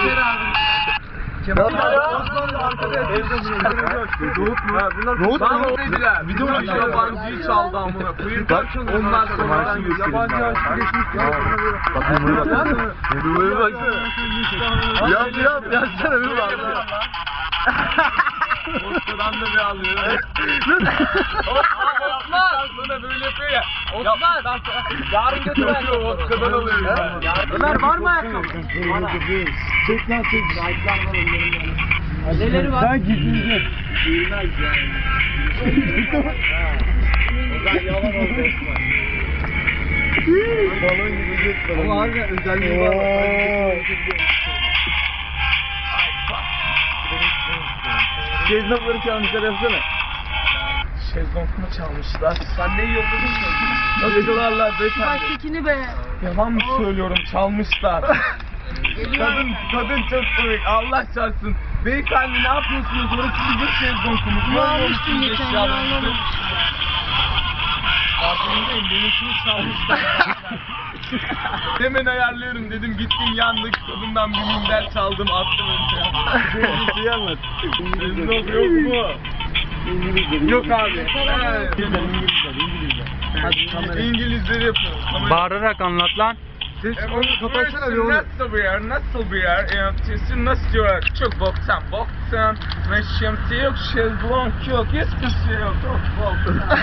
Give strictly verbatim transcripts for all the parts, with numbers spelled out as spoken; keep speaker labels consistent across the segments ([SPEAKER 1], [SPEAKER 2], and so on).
[SPEAKER 1] Kemal Osmanlı arkada Nohut mu? Nohut mu? Dediler. Bir de yabancıyı çaldı amına koyayım. Onlar sonradan yabancı aşkı geçmiş.
[SPEAKER 2] Bakın buraya bak. Buraya bak. Yap yap yazsana bir bak.
[SPEAKER 1] Osman'dan da bir alıyor. Osman! Sonra böyle yapıyor ya. Osman! Yarın götüren. Osman'dan alıyor.
[SPEAKER 3] Ömer var mı ayakkabı?
[SPEAKER 2] Çek lan çek.
[SPEAKER 3] Neleri var?
[SPEAKER 2] Ben gideceğim.
[SPEAKER 3] Bilmez yani. O zaman yalan oldu Osman.
[SPEAKER 2] Balon gibi git.
[SPEAKER 3] Ama harbiden özelliği var.
[SPEAKER 2] Şezlongları çalmışlar yapsana.
[SPEAKER 1] Şezlong mu çalmışlar? Sen ne yolladın ki? Nasıl çalarlar beyefendi?
[SPEAKER 3] Baştakini be.
[SPEAKER 1] Yalan mı söylüyorum? Çalmışlar. kadın, kadın çok komik. Allah çarpsın. Beyefendi ne yapıyorsunuz? Orası bizim şezlongumuz. Ne
[SPEAKER 3] almıştın geçen gün anlamadım.
[SPEAKER 1] Farkındayım. Benimkini çalmışlar. Hemen ayarlıyorum dedim. Gittim yandık. Kadından bir minder çaldım. Attım önce.
[SPEAKER 2] Şezlong'u anlat.
[SPEAKER 1] Şezlong yok mu? Yok abi. Evet. İngilizleri yapıyoruz.
[SPEAKER 4] Bağırarak anlat lan.
[SPEAKER 2] Ses onu kapatsana bir onu.
[SPEAKER 1] Nasıl bir yer? Nasıl bir yer? Yani sesi nasıl diyorlar? Çok boktan boktan. Ve şemsiye yok, şezlong yok. Hiçbir şey yok. Çok boktan.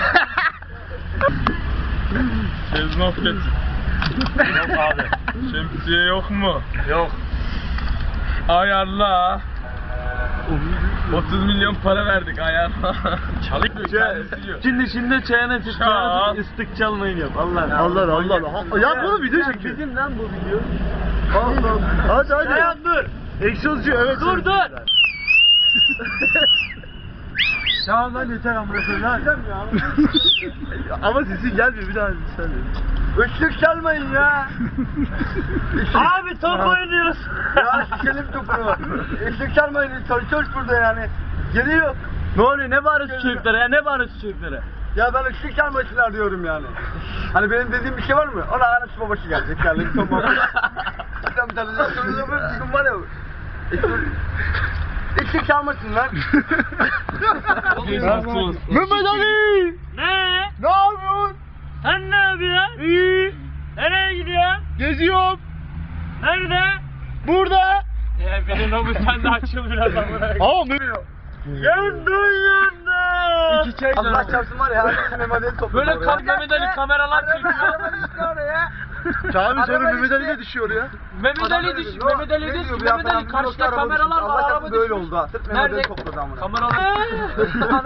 [SPEAKER 1] Şezlong getir. Yok abi. Şemsiye yok mu? Yok. Ayarla. otuz milyon para verdik ayarla. Çalık mı?
[SPEAKER 2] Şimdi şimdi çayına çık.
[SPEAKER 1] Çal.
[SPEAKER 2] Islık çalmayın yap. Allah Allah Allah Allah. Yap bunu video çekiyor. Bizim lan bu video. Allah Allah. Hadi hadi. Çayan dur. Egzozcu evet.
[SPEAKER 3] Dur dur.
[SPEAKER 2] Tamam lan yeter amına koyayım lan. Ama sesin gelmiyor bir daha söyle. Işık çalmayın ya.
[SPEAKER 3] Abi top oynuyoruz.
[SPEAKER 2] Ya şişelim topunu. Işık çalmayın. Çalışıyoruz burada yani. Geliyor.
[SPEAKER 4] Ne oluyor? Ne bağırıyorsun çocuklara ya? Ne bağırıyorsun çocuklara?
[SPEAKER 2] Ya ben ışık çalmasınlar diyorum yani. Hani benim dediğim bir şey var mı? Ona anası babası gelecek yani. Tamam. Sen bir tane daha söylüyor mu? Bugün var ya. Işık çalmasınlar. Mehmet Ali!
[SPEAKER 3] Ne?
[SPEAKER 2] Ne yapıyorsun?
[SPEAKER 3] Sen ne yapıyorsun?
[SPEAKER 2] İyi.
[SPEAKER 3] Nereye gidiyorsun?
[SPEAKER 2] Geziyorum.
[SPEAKER 3] Nerede?
[SPEAKER 2] Burada.
[SPEAKER 3] Ya benim o sen de açıl biraz amına.
[SPEAKER 2] Ama Mehmet.
[SPEAKER 3] Yandın yandın.
[SPEAKER 2] İki çay. Allah çarpsın var ya. Herkes Mehmet Ali topladı.
[SPEAKER 3] Böyle kap Mehmet Ali kameralar çekiyor.
[SPEAKER 2] Çağrı sonra Mehmet Ali de düşüyor ya.
[SPEAKER 3] Mehmet Ali düş. Mehmet Ali düş. Mehmet Ali karşıda kameralar var.
[SPEAKER 2] Allah
[SPEAKER 3] Araba
[SPEAKER 2] çarpsın böyle
[SPEAKER 3] düşmüş.
[SPEAKER 2] oldu ha. Sırf Mehmet Ali
[SPEAKER 3] Nerede?
[SPEAKER 2] topladı amına.
[SPEAKER 3] Kameralar.